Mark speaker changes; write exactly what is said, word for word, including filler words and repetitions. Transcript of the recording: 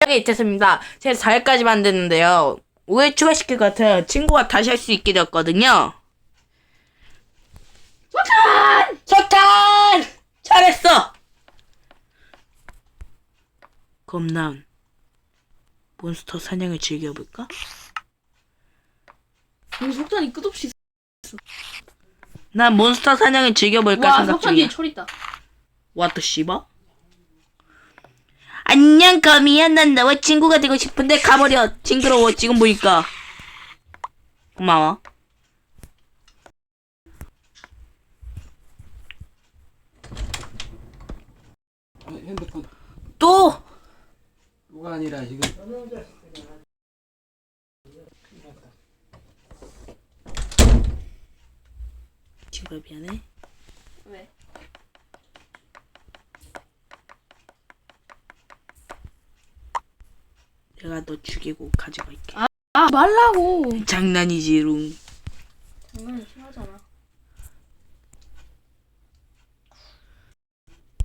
Speaker 1: 하게 됐습니다. 제가 사 회까지 만드는데요. 오 회 추가시킬 것 같아요. 친구가 다시 할 수 있게 되었거든요. 석탄! 석탄! 잘했어! 그럼 난 몬스터 사냥을 즐겨볼까?
Speaker 2: 여기 석탄이 끝없이 있어.
Speaker 1: 난 몬스터 사냥을 즐겨볼까
Speaker 2: 와,
Speaker 1: 생각
Speaker 2: 석탄 뒤에
Speaker 1: 중이야.
Speaker 2: 철 있다.
Speaker 1: 왓더 씨바? 안녕 거미야. 난 너와 친구가 되고 싶은데 가버려. 징그러워. 지금 보니까. 고마워.
Speaker 3: 아, 핸드폰
Speaker 1: 또!
Speaker 3: 뭐가 아니라 지금
Speaker 1: 친구야 미안해.
Speaker 2: 왜?
Speaker 1: 내가 너 죽이고 가져갈게.
Speaker 2: 아 말라고.
Speaker 1: 장난이지롱.
Speaker 2: 장난이 심하잖아.